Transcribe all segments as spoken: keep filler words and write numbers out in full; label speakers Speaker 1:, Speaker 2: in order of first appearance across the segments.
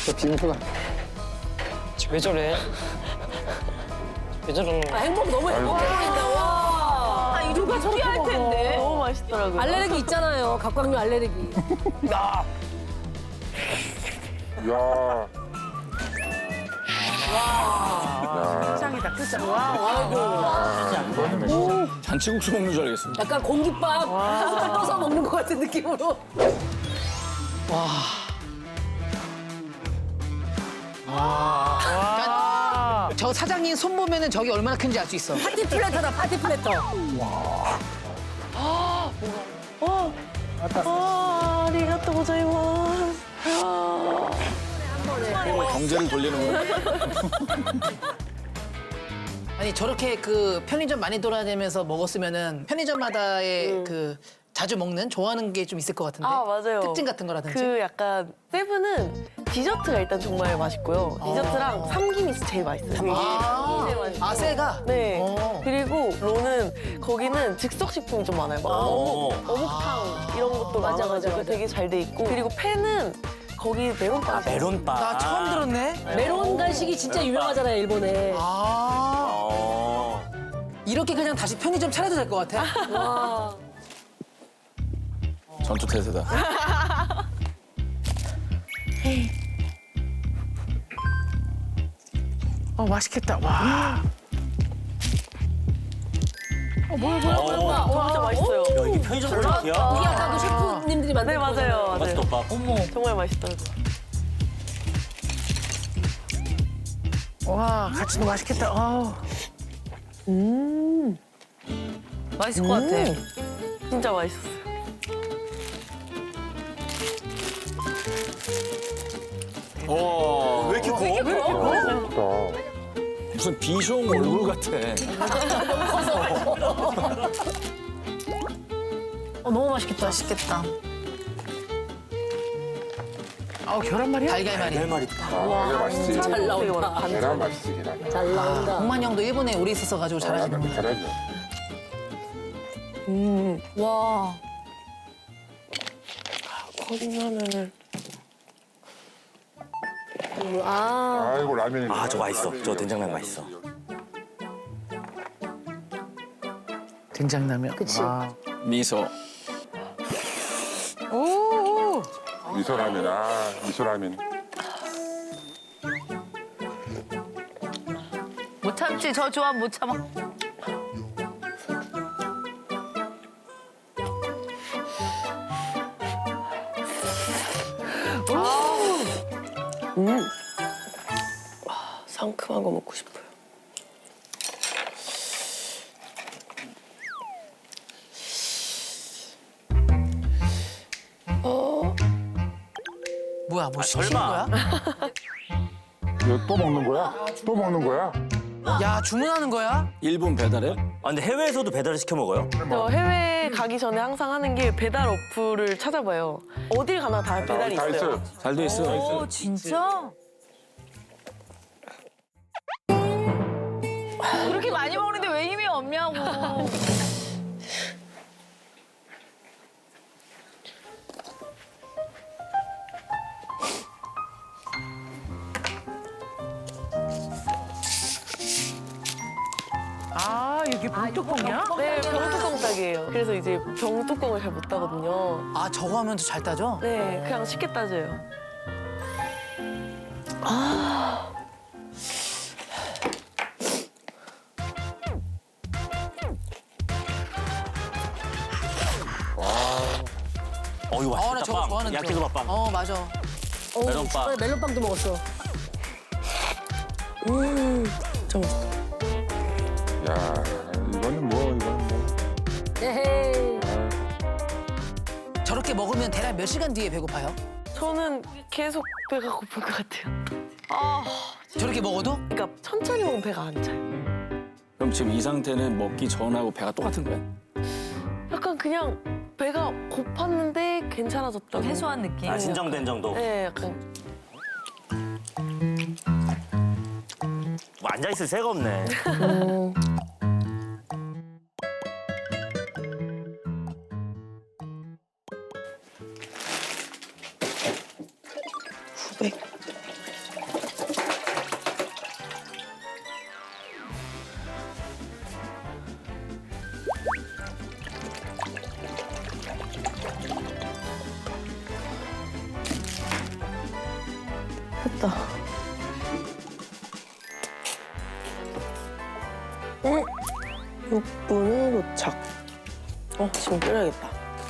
Speaker 1: 저 빙수가.
Speaker 2: 왜 저래? 왜 저러는
Speaker 3: 아,
Speaker 2: 거야?
Speaker 3: 행복 너무 행복해 보인다. 와.
Speaker 4: 아, 이거 저렇게 할 텐데.
Speaker 5: 너무 맛있더라고요.
Speaker 3: 알레르기 있잖아요. 각광류 알레르기.
Speaker 2: 야,
Speaker 1: 야.
Speaker 4: 세상이다, 그죠? 와,
Speaker 6: 잔치국수 먹는 줄 알겠어.
Speaker 3: 약간 공깃밥 숟갈 떠서 먹는 것 같은 느낌으로.
Speaker 7: 저 사장님 손 보면은 저기 얼마나 큰지 알 수 있어.
Speaker 3: 파티 플래터다, 파티 플래터.
Speaker 5: 아, 아리가또 고자이마스.
Speaker 6: 경제를 돌리는 거야.
Speaker 7: 아니 저렇게 그 편의점 많이 돌아다니면서 먹었으면은 편의점마다의 그 자주 먹는 좋아하는 게 좀 있을 것 같은데.
Speaker 5: 아, 맞아요.
Speaker 7: 특징 같은 거라든지.
Speaker 5: 그 약간 세븐은 디저트가 일단 정말 맛있고요. 디저트랑 삼김이 제일 맛있어요.
Speaker 7: 아,
Speaker 5: 제일 맛있고.
Speaker 7: 아 새가.
Speaker 5: 네.
Speaker 7: 어.
Speaker 5: 그리고 로는 거기는 즉석 식품이 좀 많아요. 막 어묵, 어묵탕 이런 것도
Speaker 3: 맞아,
Speaker 5: 많아가지고
Speaker 3: 맞아, 맞아.
Speaker 5: 되게 잘 돼 있고. 그리고 팬은 거기 메론빵.
Speaker 2: 아, 메론빵.
Speaker 7: 나 처음 들었네.
Speaker 3: 메론 간식이 진짜 유명하잖아요, 일본에.
Speaker 7: 아
Speaker 2: 어.
Speaker 7: 이렇게 그냥 다시 편의점 차려도 될 것 같아.
Speaker 3: 와.
Speaker 6: 전투 태세다.
Speaker 4: 어, 맛있겠다. 와.
Speaker 3: 어, 뭐야, 뭐야, 뭐야, 뭐야.
Speaker 5: 어, 진짜 맛있어요.
Speaker 2: 야, 이게 편의점 음식이야?
Speaker 3: 우리 아까도 셰프님들이 만든
Speaker 5: 네, 맞아요. 맞아요.
Speaker 2: 맛있겠다.
Speaker 5: 정말 맛있더라고요.
Speaker 4: 와, 같이도 맛있겠다. 어.
Speaker 5: 맛있을 것 같아. 진짜 맛있었어요.
Speaker 6: 와,
Speaker 2: 왜 이렇게 커?
Speaker 6: 무슨 비숑 얼굴 같아.
Speaker 4: 어, 너무 맛있겠다. 맛있겠다. 아, 계란말이야?
Speaker 7: 달걀말이.
Speaker 2: 내
Speaker 1: 아, 이게 맛있지.
Speaker 3: 잘
Speaker 5: 되게
Speaker 3: 나온다.
Speaker 5: 많아.
Speaker 1: 계란 맛있지, 계란.
Speaker 3: 잘 나온다.
Speaker 7: 동만 형도 일본에 오래 있었어가지고 잘하시는
Speaker 1: 잘하죠.
Speaker 7: 거야.
Speaker 3: 와.
Speaker 5: 거짓말을.
Speaker 3: 아.
Speaker 1: 아이고, 라면이.
Speaker 2: 아, 저 맛있어. 저 된장라면 맛있어.
Speaker 4: 된장라면.
Speaker 3: 그치.
Speaker 4: 와.
Speaker 6: 미소.
Speaker 1: 미소라면, 아, 미소라면.
Speaker 4: 못 참지. 저 조합 못 참아.
Speaker 5: 상큼한 거 먹고 싶어요.
Speaker 7: 뭐야 뭐 시키는
Speaker 2: 설마.
Speaker 7: 거야?
Speaker 1: 이거 또 먹는 거야? 또 먹는 거야?
Speaker 7: 야 주문하는 거야?
Speaker 6: 일본 배달앱?
Speaker 2: 아, 근데 해외에서도 배달을 시켜 먹어요?
Speaker 5: 저 해외 가기 전에 항상 하는 게 배달 어플을 찾아봐요. 어딜 가나 다 배달이
Speaker 1: 다
Speaker 5: 있어요.
Speaker 1: 있어요.
Speaker 6: 잘 돼 있어.
Speaker 4: 진짜? 그렇게 많이 먹는데 왜 힘이 없냐고. 아, 이게 병뚜껑이야?
Speaker 5: 네, 병뚜껑 따기예요. 그래서 이제 병뚜껑을 잘 못 따거든요.
Speaker 7: 아 저거 하면 더 잘 따져?
Speaker 5: 네, 그냥 쉽게 따져요.
Speaker 2: 어, 이거
Speaker 7: 어 나
Speaker 2: 맛있다.
Speaker 7: 저거
Speaker 2: 빵.
Speaker 7: 좋아하는데.
Speaker 2: 야끼소바빵.
Speaker 7: 어 맞아.
Speaker 3: 어,
Speaker 2: 멜론빵.
Speaker 3: 저번에 멜론빵도 먹었어.
Speaker 5: 음, 진짜 맛있어.
Speaker 1: 야, 이거는 뭐, 이거는 뭐.
Speaker 3: 에헤이.
Speaker 7: 저렇게 먹으면 대략 몇 시간 뒤에 배고파요?
Speaker 5: 저는 계속 배가 고플 것 같아요.
Speaker 7: 저렇게 먹어도?
Speaker 5: 그러니까 천천히 먹으면 배가 안 차요.
Speaker 6: 그럼 지금 이 상태는 먹기 전하고 배가 똑같은 거야?
Speaker 5: 약간 그냥 배가 고팠는데 괜찮아졌다고.
Speaker 4: 해소한 느낌.
Speaker 2: 아, 진정된 정도.
Speaker 5: 네, 약간
Speaker 2: 뭐 앉아있을 새가 없네.
Speaker 5: 구백. 됐다. 응. 육 분에 도착. 어, 지금 끓여야겠다.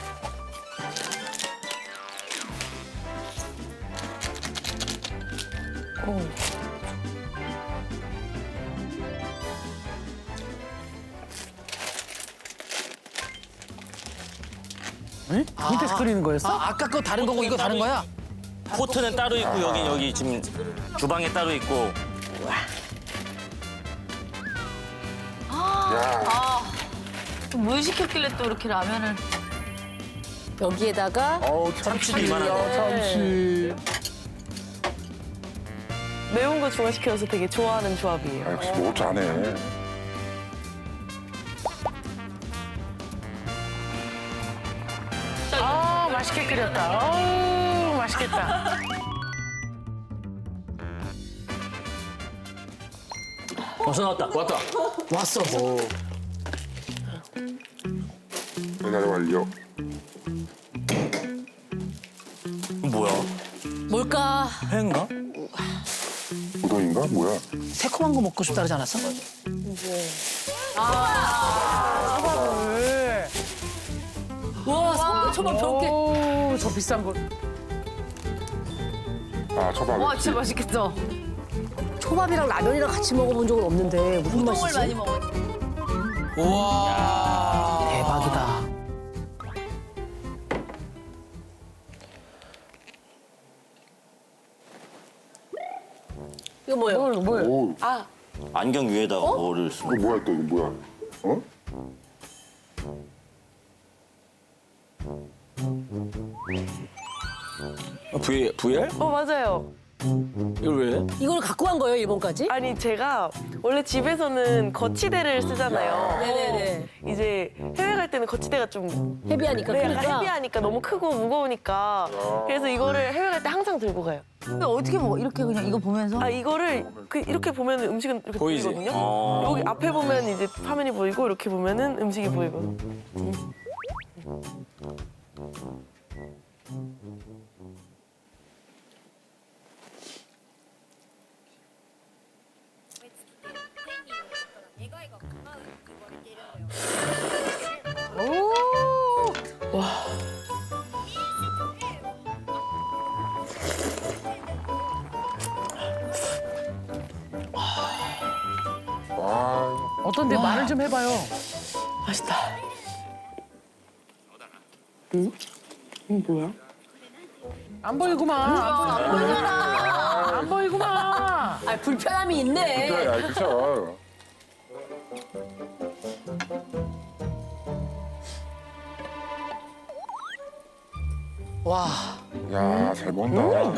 Speaker 5: 어.
Speaker 7: 밑에서 끓이는 거였어? 아, 아까 거 다른 거고 이거 다른 거야?
Speaker 2: 포트는 따로 있고 여기 여기 지금 주방에 따로 있고.
Speaker 4: 뭘 시켰길래 또 이렇게 라면을.
Speaker 3: 여기에다가
Speaker 1: 어우,
Speaker 2: 참치도
Speaker 1: 참치.
Speaker 2: 이만하네.
Speaker 1: 아, 참치.
Speaker 5: 매운 거 좋아시켜서 되게 좋아하는 조합이에요.
Speaker 1: 아, 역시 뭐 잘해.
Speaker 4: 아 맛있게 끓였다. 어우 맛있겠다.
Speaker 2: 벌써 나왔다.
Speaker 6: 왔다.
Speaker 7: 왔어.
Speaker 1: 배달 완료.
Speaker 2: 뭐야?
Speaker 3: 뭘까?
Speaker 2: 회인가?
Speaker 1: 우동인가? 뭐야?
Speaker 7: 새콤한 거 먹고 싶다 그러지 않았어?
Speaker 3: 와, 성게초밥 저렇게.
Speaker 4: 오저 비싼 거.
Speaker 1: 아, 초밥.
Speaker 4: 와 진짜 맛있겠다.
Speaker 3: 초밥이랑 라면이랑 같이 먹어본 적은 없는데 무슨
Speaker 4: 우동을
Speaker 3: 맛이지?
Speaker 4: 많이 먹어.
Speaker 7: 우와. 대박이다.
Speaker 3: 이거 뭐예요?
Speaker 1: 오,
Speaker 3: 아,
Speaker 2: 안경 위에다가 뭐를 쓰고.
Speaker 1: 이거 뭐야 또 이거 뭐야? 어?
Speaker 6: 아, V, VR?
Speaker 5: 어, 맞아요.
Speaker 6: 이걸 왜 해?
Speaker 3: 이걸 갖고 간 거예요, 일본까지?
Speaker 5: 아니, 제가 원래 집에서는 거치대를 쓰잖아요.
Speaker 3: 네네네.
Speaker 5: 이제 해외 갈 때는 거치대가 좀
Speaker 3: 헤비하니까
Speaker 5: 네, 약간
Speaker 3: 그러니까.
Speaker 5: 헤비하니까 너무 크고 무거우니까 그래서 이거를 해외 갈 때 항상 들고 가요.
Speaker 4: 근데 어떻게 먹어? 이렇게 그냥 이거 보면서?
Speaker 5: 아 이거를 그 이렇게 보면 음식은 이렇게
Speaker 6: 보이지?
Speaker 5: 보이거든요.
Speaker 2: 어.
Speaker 5: 여기 앞에 보면 이제 화면이 보이고 이렇게 보면은 음식이 보이고.
Speaker 1: 와,
Speaker 4: 어떤데 말을 좀 해봐요.
Speaker 5: 맛있다. 응? 응 뭐야?
Speaker 4: 안 보이구만. 안 보이잖아. 안 보이구만.
Speaker 3: 아, 불편함이 있네.
Speaker 1: 그래, 아, 그쵸.
Speaker 7: 와.
Speaker 1: 야, 잘 먹는다.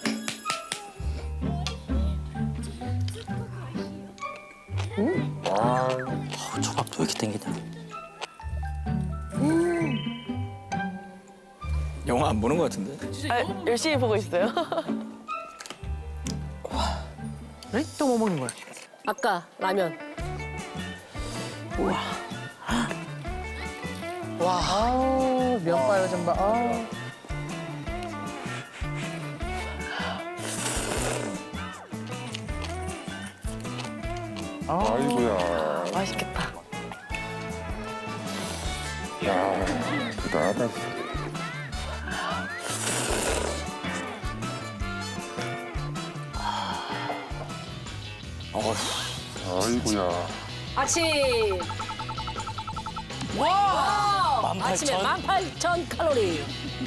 Speaker 1: 와,
Speaker 2: 어, 초밥도 왜 이렇게 땡기냐?
Speaker 6: 영화 안 보는 것 같은데?
Speaker 5: 아, 열심히 보고 있어요.
Speaker 4: 그래? 또 뭐 먹는 거야?
Speaker 3: 아까 라면.
Speaker 7: 와.
Speaker 4: 아우 면발 좀 봐. 아우.
Speaker 1: 아이고야.
Speaker 5: 맛있겠다.
Speaker 1: 야, 대단하다. 아이고야.
Speaker 3: 아침. 와! 아침에 만 팔천 칼로리.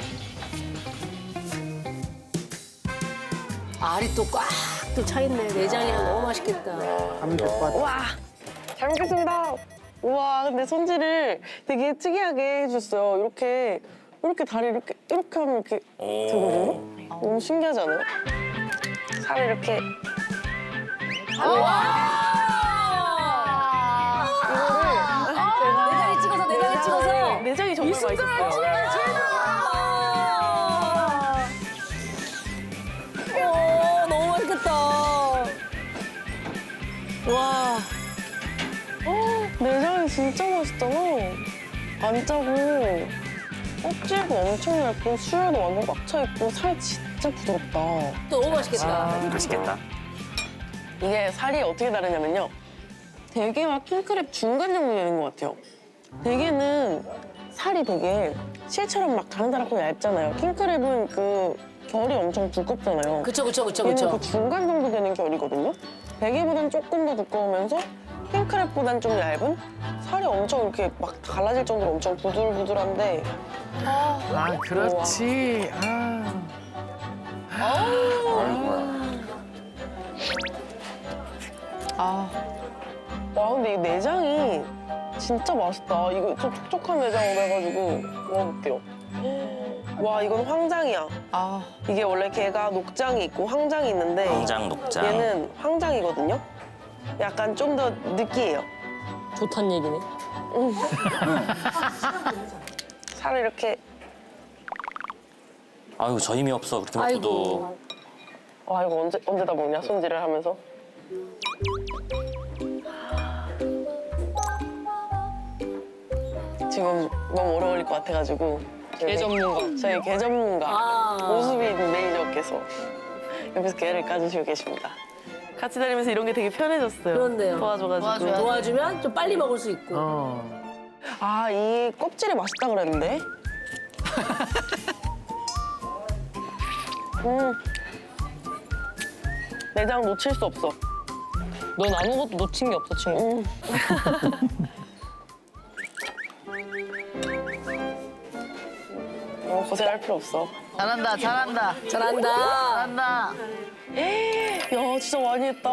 Speaker 3: 알이 또 꽉 또 차있네. 내장이랑 너무 맛있겠다.
Speaker 5: 와, 잘 먹겠습니다. 우와, 근데 손질을 되게 특이하게 해줬어요. 이렇게 이렇게 다리 이렇게 이렇게 하면 이렇게 되거든요. 너무 신기하지 않아요? 살을 이렇게
Speaker 3: 내장이 찍어서, 내장이 찍어서.
Speaker 5: 내장이 정말 맛있었어요.
Speaker 3: 오, 너무 맛있겠다.
Speaker 5: 와, 어, 내장이 진짜 맛있잖아. 안 짜고 껍질도 엄청 얇고 수혈도 완전 꽉 차 있고 살 진짜 진짜 부드럽다.
Speaker 3: 너무 맛있겠다.
Speaker 2: 맛있겠다.
Speaker 5: 이게 살이 어떻게 다르냐면요. 대게와 킹크랩 중간 정도 되는 것 같아요. 대게는 살이 되게 실처럼 막 다른다랗고 얇잖아요. 킹크랩은 그 결이 엄청 두껍잖아요.
Speaker 3: 그쵸, 그쵸, 그쵸,
Speaker 5: 얘는
Speaker 3: 그쵸.
Speaker 5: 그 중간 정도 되는 결이거든요. 대게보단 조금 더 두꺼우면서 킹크랩보단 좀 얇은? 살이 엄청 이렇게 막 갈라질 정도로 엄청 부들부들한데
Speaker 4: 아, 그렇지. 아.
Speaker 5: 와 근데 이 내장이 진짜 맛있다. 이거 좀 촉촉한 내장으로 해가지고 먹어볼게요. 와 이건 황장이야.
Speaker 7: 아,
Speaker 5: 이게 원래 게가 녹장이 있고 황장이 있는데
Speaker 2: 황장, 녹장.
Speaker 5: 얘는 황장이거든요. 약간 좀 더 느끼해요.
Speaker 3: 좋단 얘기네.
Speaker 5: 살을 이렇게
Speaker 2: 아유 저 힘이 없어 그렇게 먹고도.
Speaker 3: 아이고.
Speaker 5: 와 이거 언제 언제 다 먹냐 손질을 하면서. 지금 너무 오래 걸릴 것 같아가지고 게 전문가 저희 게 전문가
Speaker 3: 아.
Speaker 5: 오수빈 매니저께서 옆에서 게를 까주시고 계십니다. 같이 다니면서 이런 게 되게 편해졌어요.
Speaker 3: 그렇네요.
Speaker 5: 도와줘가지고.
Speaker 3: 도와주면 좀 빨리 먹을 수 있고.
Speaker 4: 어.
Speaker 5: 아, 이 껍질이 맛있다 그랬는데? 음. 내장 놓칠 수 없어.
Speaker 8: 넌 아무것도 놓친 게 없어, 친구.
Speaker 5: 음. 너무 고생할 필요 없어.
Speaker 7: 잘한다, 잘한다,
Speaker 3: 잘한다.
Speaker 7: 잘한다.
Speaker 5: 야, 진짜 많이 했다.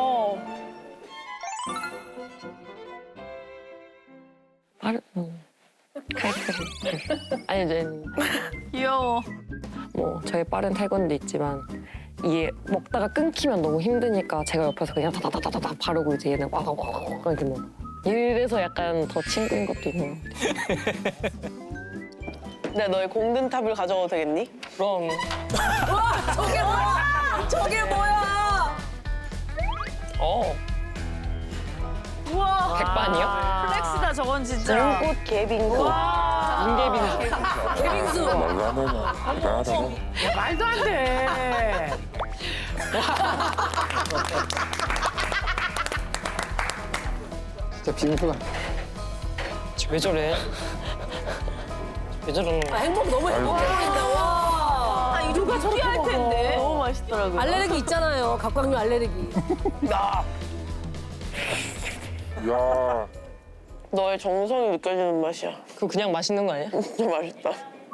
Speaker 8: 빠르, 음. 칼칼이. 아니, 이제
Speaker 7: 귀여워.
Speaker 8: 뭐 저희 빠른 태권도 있지만 이게 먹다가 끊기면 너무 힘드니까 제가 옆에서 그냥 다다다다다 바르고 이제 얘는 와와와 이렇게 먹어. 이래서 약간 더 친구인 것도 있는 것 같아.
Speaker 5: 내가 너의 공든탑을 가져가도 되겠니?
Speaker 8: 그럼
Speaker 3: 와, 저게 뭐야? 저게 뭐야?
Speaker 8: 어
Speaker 7: 우와.
Speaker 8: 백반이요?
Speaker 7: 플렉스다, 저건 진짜.
Speaker 5: 눈꽃 개빙수.
Speaker 8: 윤계빈
Speaker 3: 개빙수.
Speaker 1: 말도 안 되네. 대단하다.
Speaker 4: 야, 말도 안 돼.
Speaker 1: 진짜 빙수가.
Speaker 8: 왜 저래? 왜 저러는
Speaker 3: 아,
Speaker 8: 거야?
Speaker 3: 행복 너무 행복해진다. 와.
Speaker 7: 아, 이거 저렇게 할 텐데.
Speaker 5: 너무 맛있더라고요.
Speaker 3: 알레르기 있잖아요. 각광류 알레르기.
Speaker 1: 야,
Speaker 5: 너의 정성이 느껴지는 맛이야.
Speaker 8: 그거 그냥 맛있는 거 아니야?
Speaker 5: 진짜 맛있다.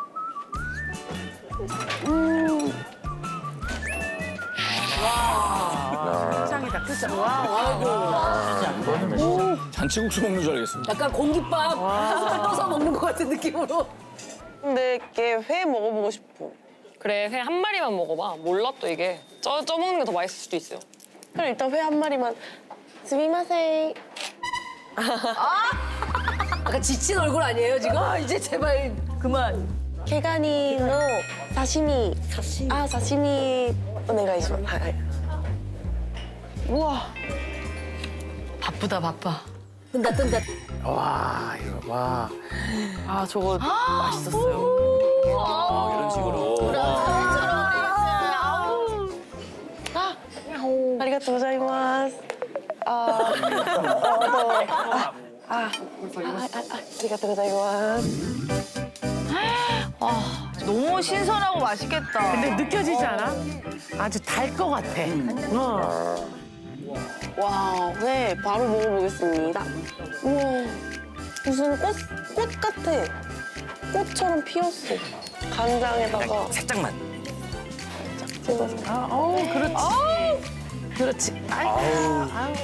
Speaker 4: 짱이다, 그죠? 와,
Speaker 6: 잔치국수 먹는 줄 알겠습니다.
Speaker 3: 약간 공깃밥 한 숟갈 떠서 먹는 것 같은 느낌으로.
Speaker 5: 근데 걔 회 먹어보고 싶어.
Speaker 8: 그래, 회 한 마리만 먹어봐. 몰라 또 이게. 쪄, 쪄 먹는 게 더 맛있을 수도 있어요.
Speaker 5: 그럼 일단 회 한 마리만. 스미마셍.
Speaker 3: 약간 지친 얼굴 아니에요 지금? 아, 이제 제발 그만.
Speaker 5: 케가니 노 사시미. 아, 사시미. 오네가이시마스. 하이. 우와.
Speaker 7: 바쁘다, 바빠.
Speaker 3: 뜬다 뜬다.
Speaker 4: 와, 이거 와.
Speaker 5: 아, 저거 맛있었어요.
Speaker 2: 아, 이런 식으로.
Speaker 5: 아리가또 고자이마스. 아, 어, 또, 아, 아, 아, 아, 아, 아리가또 고자이마스.
Speaker 7: 너무 신선하고 맛있겠다.
Speaker 4: 근데 느껴지지 않아? 아주 달 것 같아. 어.
Speaker 5: 와, 회 바로 먹어보겠습니다. 우와, 무슨 꽃, 꽃 같아. 꽃처럼 피었어. 간장에다가
Speaker 2: 살짝만.
Speaker 5: 찍어서.
Speaker 4: 아, 어우, 그렇지. 그렇지. 아이고. 아우.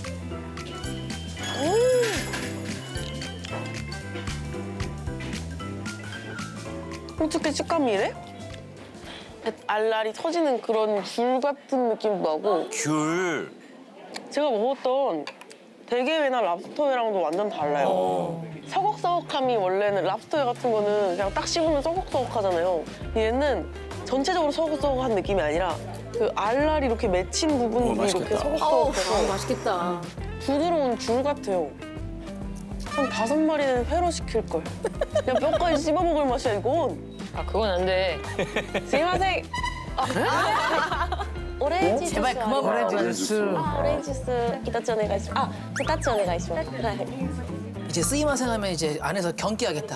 Speaker 5: 어떻게 식감이 이래? 알알이 터지는 그런 귤 같은 느낌도 나고
Speaker 2: 귤.
Speaker 5: 제가 먹었던 대게회나 랍스터회랑도 완전 달라요. 서걱서걱함이 원래는 랍스터회 같은 거는 그냥 딱 씹으면 서걱서걱하잖아요. 얘는 전체적으로 서걱서걱한 느낌이 아니라 그 알알이 이렇게 맺힌 부분이
Speaker 6: 어,
Speaker 5: 이렇게
Speaker 6: 맛있겠다.
Speaker 3: 어우,
Speaker 5: 서걱서걱해서
Speaker 3: 맛있겠다.
Speaker 5: 부드러운 귤 같아요. 한 다섯 마리는 회로 시킬걸. 그냥 뼈까지 씹어먹을 맛이야, 이건.
Speaker 8: 아, 그건 안 돼.
Speaker 5: 스미마셍.
Speaker 9: オレンジジュース
Speaker 3: 제발 그만
Speaker 9: あります
Speaker 4: 오렌지 주스.
Speaker 9: あオレンジジュース一つお願いしますあ二つお願いしますはい
Speaker 7: 이제 쓰이마생 하면 이제 안에서 경기하겠다.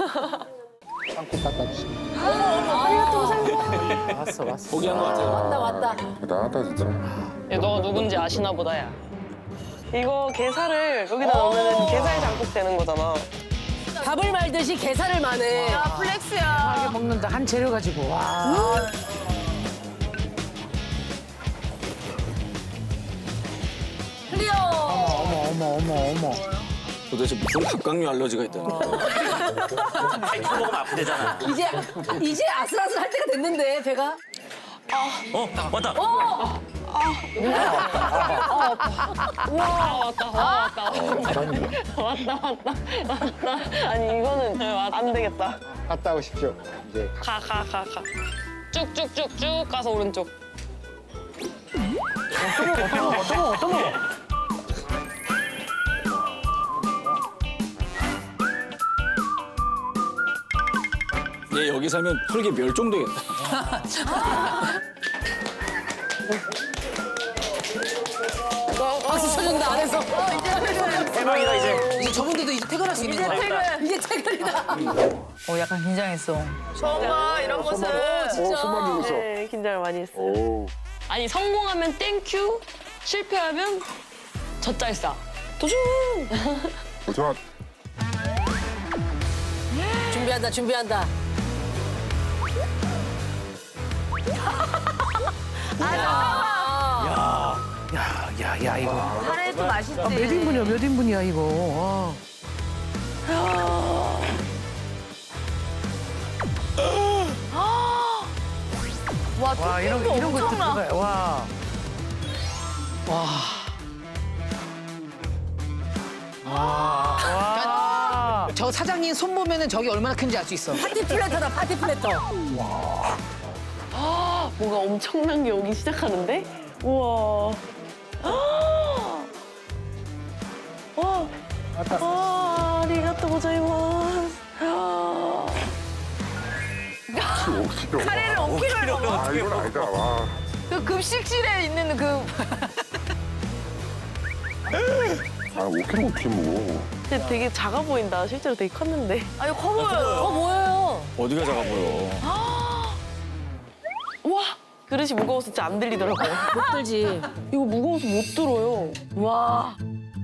Speaker 4: 왔어 왔어.
Speaker 6: 포기한 것 같아요.
Speaker 3: 왔다 왔다.
Speaker 1: 대단하다 진짜.
Speaker 8: 야, 너가 누군지 아시나 보다, 야.
Speaker 5: 이거 게살을 여기다 넣으면 게살 장국 되는 거잖아.
Speaker 3: 밥을 말듯이 게살을 마네.
Speaker 4: 하게 먹는다 한 재료 가지고 와.
Speaker 3: 클리어.
Speaker 4: 어머 어머 어머 어머.
Speaker 6: 도대체 무슨 각각류 알러지가 있다는 거야.
Speaker 2: 백 킬로 먹으면 아프대잖아.
Speaker 3: 이제 이제 아슬아슬할 때가 됐는데 배가.
Speaker 2: 어 왔다.
Speaker 5: 아니 이거는 안 되겠다.
Speaker 1: 갔다 오십시오. 이제
Speaker 8: 가, 가, 가, 가. 쭉쭉쭉쭉 가서 오른쪽.
Speaker 6: 얘 여기 살면 혈기 멸종되겠다.
Speaker 3: 박수 쳐준다 안에서.
Speaker 2: 대박이다 이제.
Speaker 7: 이제 저분들도 이제 퇴근할 수 있는 거야.
Speaker 3: 이제 퇴근이다.
Speaker 10: 어, 약간 긴장했어.
Speaker 3: 이런 모습.
Speaker 1: 어, 손만 주고 있어.
Speaker 5: 네, 긴장을 많이 했어요.
Speaker 1: 오.
Speaker 8: 아니, 성공하면 땡큐, 실패하면 젖잘싸. 도전!
Speaker 1: 도전.
Speaker 3: 준비한다 준비한다.
Speaker 4: 야야 이거.
Speaker 10: 카레도 맛있지.
Speaker 4: 아, 몇 인분이야 몇 인분이야 이거.
Speaker 10: 와,
Speaker 4: 와 이런
Speaker 10: 토핑도
Speaker 4: 이런 것도
Speaker 10: 엄청나.
Speaker 4: 들어가요. 와. 와.
Speaker 7: 저 사장님 손 보면은 저기 얼마나 큰지 알 수 있어.
Speaker 3: 파티 플래터다 파티 플래터.
Speaker 5: 뭔가 엄청난 게 오기 시작하는데? 우와. 와. 와, 아리가또 고자이마스.
Speaker 10: 카레를 오 킬로를 먹어.
Speaker 1: 아 이건 아니다. 와.
Speaker 10: 그 급식실에 있는 그
Speaker 1: 아 오 킬로그램 어떻게 먹어?
Speaker 5: 근데 되게 작아 보인다. 실제로 되게 컸는데.
Speaker 10: 아니 커 보여요.
Speaker 3: 어 뭐예요?
Speaker 6: 어디가 작아 보여.
Speaker 5: 와. 그릇이 무거워서 진짜 안 들리더라고요.
Speaker 3: 못 들지.
Speaker 5: 이거 무거워서 못 들어요.
Speaker 3: 와.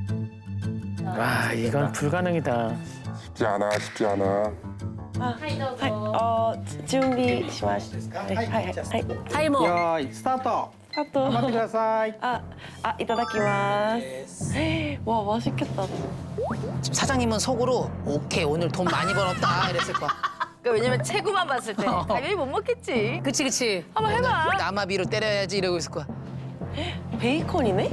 Speaker 4: 와 이건 불가능이다.
Speaker 1: 쉽지 않아. 쉽지 않아.
Speaker 5: はい、あー、準備しました。はい、はい、はい。
Speaker 3: 타이머.
Speaker 11: よーいスタート
Speaker 5: あと、
Speaker 11: 頑張ってください
Speaker 5: 아, 아,いただきます。 와, 맛있겠다.
Speaker 7: 지금 사장님은 속으로 오케이 오늘 돈 많이 벌었다 이랬을 거야.
Speaker 10: 그러니까 왜냐면 체구만 봤을 때 당연히 못 먹겠지.
Speaker 3: 그치 그치.
Speaker 10: 한번 해봐.
Speaker 7: 나마비로 때려야지 이러고 있을 거야.
Speaker 5: 베이컨이네?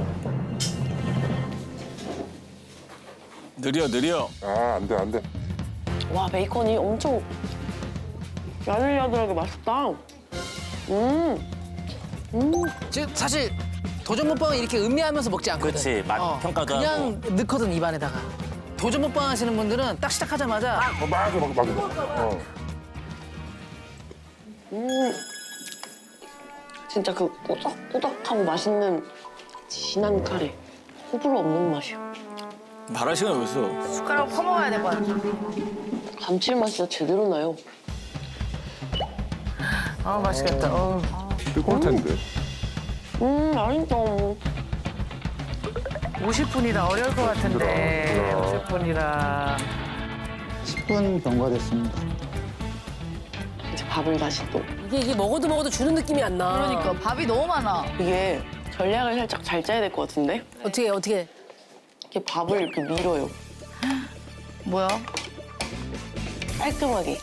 Speaker 6: 느려 느려.
Speaker 1: 아 안 돼 안 돼.
Speaker 5: 와, 베이컨이 엄청 야들야들하게 맛있다. 음, 음.
Speaker 7: 지금 사실 도전 먹방은 이렇게 음미하면서 먹지 않거든.
Speaker 2: 그렇지, 맛 평가도
Speaker 7: 그냥 넣거든 입안에다가. 도전 먹방 하시는 분들은 딱 시작하자마자
Speaker 1: 어 맞아 맞아 맞아. 어.
Speaker 5: 음. 진짜 그 꾸덕꾸덕하고 맛있는 진한 카레. 호불호 없는 맛이야.
Speaker 6: 말할 시간이 어딨어.
Speaker 10: 숟가락 퍼먹어야 될 것 같아.
Speaker 5: 감칠맛이 진짜 제대로 나요.
Speaker 4: 아 맛있겠다. 어.
Speaker 1: 뜨거울 텐데.
Speaker 5: 음, 맛있다.
Speaker 4: 오십 분이라 어려울 것 같은데.
Speaker 1: 힘들어.
Speaker 4: 오십 분이라.
Speaker 11: 십 분 경과됐습니다
Speaker 5: 이제 밥을 다시 또.
Speaker 3: 이게 이게 먹어도 먹어도 주는 느낌이 안 나.
Speaker 10: 그러니까 밥이 너무 많아.
Speaker 5: 이게 전략을 살짝 잘 짜야 될 것 같은데?
Speaker 3: 어떻게 어떻게?
Speaker 5: 이렇게 밥을 이렇게 밀어요.
Speaker 10: 뭐야?
Speaker 5: 깔끔하게.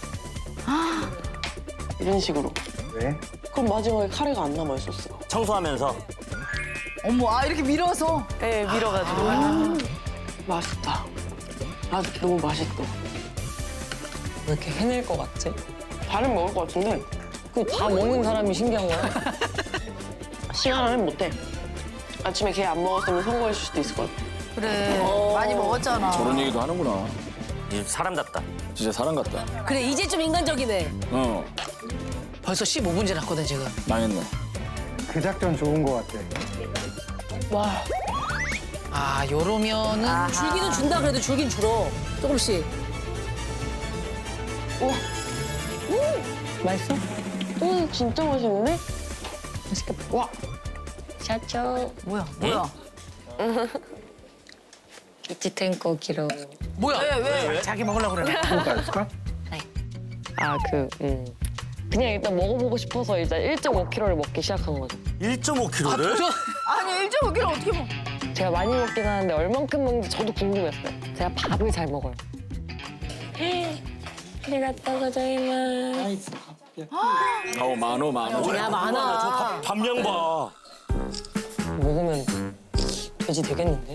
Speaker 5: 이런 식으로.
Speaker 11: 네.
Speaker 5: 그럼 마지막에 카레가 안 남아요, 소스가.
Speaker 2: 청소하면서
Speaker 10: 어머, 아 이렇게 밀어서.
Speaker 5: 네, 밀어가지고. 음, 맛있다. 아, 너무 맛있다.
Speaker 8: 왜 이렇게 해낼 것 같지?
Speaker 5: 다른 먹을 것 같은데
Speaker 8: 그 다 먹는 사람이 신기한 거야.
Speaker 5: 시간 안에 못해. 아침에 걔 안 먹었으면 성공했을 수도 있을 것 같아.
Speaker 10: 그래. 많이 먹었잖아.
Speaker 6: 저런 얘기도 하는구나.
Speaker 2: 이 사람답다.
Speaker 6: 진짜 사람 같다.
Speaker 3: 그래 이제 좀 인간적이네.
Speaker 6: 어.
Speaker 7: 벌써 십오 분 지났거든 지금.
Speaker 6: 망했네.
Speaker 11: 그 작전 좋은 것 같아.
Speaker 7: 와. 아 요러면은
Speaker 3: 줄기는 준다 그래도 줄긴 줄어. 조금씩.
Speaker 8: 맛있어?
Speaker 5: 음, 진짜 맛있는데?
Speaker 8: 맛있겠다. 와. 샤초.
Speaker 10: 뭐야 뭐야?
Speaker 8: 이치텐코 기로.
Speaker 7: 뭐야? 왜 왜? 자기 먹으려고 그래.
Speaker 11: 볼까?
Speaker 8: 아, 그, 음. 그냥 일단 먹어보고 싶어서 일단 일 점 오 킬로그램을 먹기 시작한 거죠.
Speaker 2: 일 점 오
Speaker 7: 아,
Speaker 2: 킬로그램을?
Speaker 7: 도전.
Speaker 10: 아니 일 점 오 킬로그램 어떻게 먹어?
Speaker 8: 제가 많이 먹긴 하는데 얼만큼 먹는지 저도 궁금했어요. 제가 밥을 잘 먹어요. 아리가또 고자이마스.
Speaker 6: 어 만호 만호.
Speaker 3: 야 많아.
Speaker 2: 밥량 봐.
Speaker 8: 먹으면 돼지 되겠는데?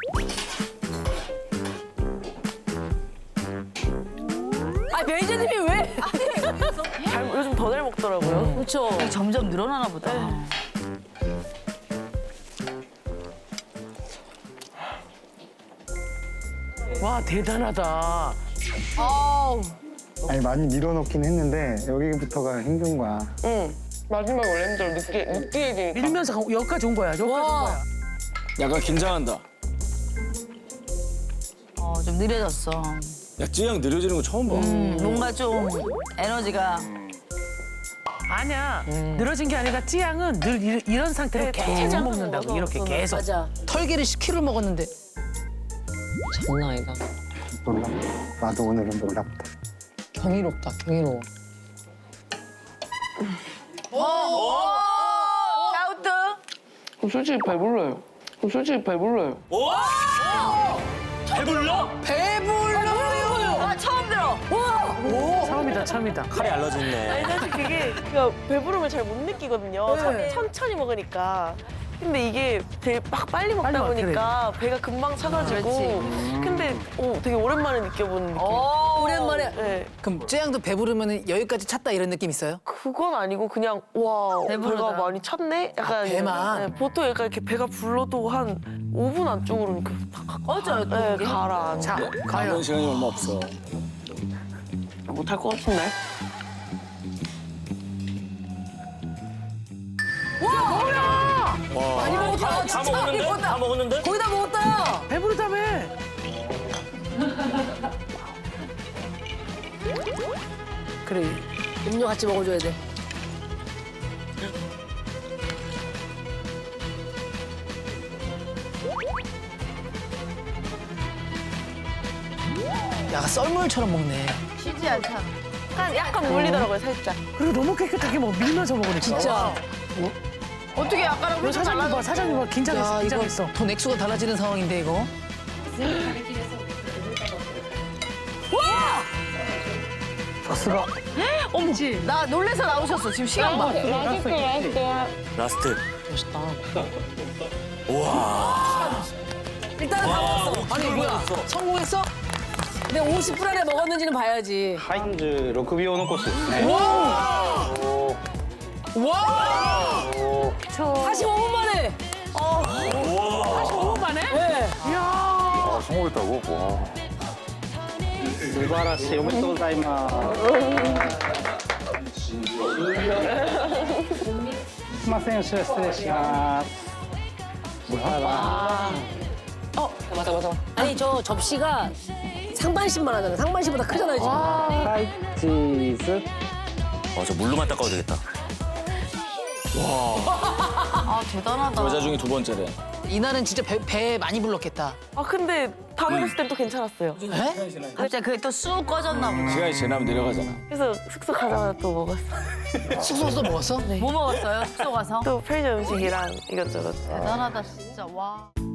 Speaker 3: 아 매니저님이 왜?
Speaker 5: 잘, 요즘 더 잘 먹더라고요.
Speaker 3: 그렇죠.
Speaker 10: 점점 늘어나나 보다.
Speaker 4: 와 대단하다.
Speaker 3: 아우.
Speaker 11: 아니 많이 밀어넣긴 했는데 여기부터가 힘든 거야.
Speaker 5: 응.
Speaker 8: 마지막에 원래 힘들어. 늦게, 늦게 얘기니까.
Speaker 4: 밀면서 가- 여기까지 온 거야. 여기까지 온
Speaker 3: 와.
Speaker 4: 거야.
Speaker 6: 약간 긴장한다.
Speaker 10: 어, 좀 느려졌어.
Speaker 6: 야 찌양 느려지는 거 처음 봐.
Speaker 10: 음, 뭔가 좀 에너지가.
Speaker 4: 아니야. 늘어진 게 아니라 찌양은 늘 이, 이런 상태로 계속 먹는다고. 이렇게 계속.
Speaker 3: 맞아.
Speaker 7: 털개를 십 킬로그램을 먹었는데.
Speaker 8: 장난 아니다.
Speaker 11: 놀랍다. 나도 오늘은 놀랍다.
Speaker 8: 경이롭다, 경이로워.
Speaker 10: 샤우트.
Speaker 8: 솔직히 배불러요. 솔직히 배불러요.
Speaker 2: 배불러?
Speaker 7: 배불러요.
Speaker 10: 아 처음 들어.
Speaker 4: 처음이다, 처음이다.
Speaker 2: 칼이 알러지 있네.
Speaker 5: 아니 사실 그게 그러니까 배부름을 잘 못 느끼거든요. 천- 천천히 먹으니까. 근데 이게 되게 막 빨리 먹다
Speaker 4: 빨리 먹-
Speaker 5: 보니까 배가 금방 차가지고. 근데 어, 되게 오랜만에 느껴보는 느낌.
Speaker 3: 어 오랜만에.
Speaker 5: 네.
Speaker 7: 그럼 찌양도 배부르면 여기까지 찼다 이런 느낌 있어요?
Speaker 5: 그건 아니고 그냥 와
Speaker 10: 배부르다.
Speaker 5: 배가 많이 찼네? 약간
Speaker 7: 배만?
Speaker 5: 네, 보통 약간 이렇게 배가 불러도 한 오 분 안쪽으로 이렇게 탁
Speaker 10: 어쩌요 또
Speaker 5: 네,
Speaker 10: 그게?
Speaker 5: 가라.
Speaker 4: 자,
Speaker 6: 남은
Speaker 4: 과연.
Speaker 6: 시간이 얼마 없어.
Speaker 5: 못할 것 같은데?
Speaker 2: 와.
Speaker 3: 많이 먹었다.
Speaker 2: 다, 다
Speaker 3: 진짜 많이
Speaker 2: 먹었는데?
Speaker 3: 먹었다.
Speaker 2: 다 먹었는데?
Speaker 3: 거의 다 먹었다.
Speaker 4: 배부르다며.
Speaker 3: 그래. 음료 같이 먹어줘야 돼.
Speaker 7: 약간 썰물처럼 먹네.
Speaker 10: 쉬지 않잖아.
Speaker 5: 약간, 약간 물리더라고요, 살짝.
Speaker 4: 그리고 너무 깨끗하게 먹 밀면서 먹으니까.
Speaker 3: 진짜.
Speaker 10: 어떻게 아까랑
Speaker 4: 너
Speaker 10: 훨씬
Speaker 4: 사장님 봐,
Speaker 10: 달라졌어?
Speaker 4: 사장님 봐. 긴장했어,
Speaker 7: 야 이거
Speaker 4: 긴장했어.
Speaker 7: 돈 액수가 달라지는 상황인데 이거.
Speaker 11: 박스가
Speaker 10: 어머, 나 놀래서 나오셨어. 지금 시간 봐.
Speaker 8: 맛있어, 맛있어.
Speaker 2: 라스트.
Speaker 8: 멋있다.
Speaker 3: 일단은 다 먹었어.
Speaker 7: 아니 뭐야? 성공했어?
Speaker 3: 근데 오십 분 안에 먹었는지는 봐야지.
Speaker 11: ハインズろくびょう残すですね。
Speaker 7: 와!
Speaker 3: 사십오 분 만에.
Speaker 4: 사십오 분 만에?
Speaker 3: 네.
Speaker 1: 아, 성공했다고? 와.
Speaker 11: 素晴らしい。おめでとうございます。すいません、後ろ失礼します。
Speaker 8: 맞아, 맞아.
Speaker 3: 아니 저 접시가 상반신만 하잖아. 상반신보다 크잖아요 지금.
Speaker 11: はい、チーズ。
Speaker 2: 어, 저 물로만 닦아도 되겠다.
Speaker 10: 아 대단하다.
Speaker 6: 여자 중에 두 번째래.
Speaker 7: 이날은 진짜 배, 배 많이 불렀겠다.
Speaker 5: 아, 근데 다 먹었을 땐 또 괜찮았어요.
Speaker 7: 에?
Speaker 10: 갑자기 그게 또 쑥 꺼졌나 보다.
Speaker 6: 시간이 지나면 내려가잖아.
Speaker 5: 그래서 숙소 가자마자 또 먹었어.
Speaker 7: 숙소에서 먹었어?
Speaker 10: 뭐 먹었어요? 숙소 가서?
Speaker 5: 또 편의점 음식이랑 이것저것.
Speaker 10: 대단하다 진짜 와.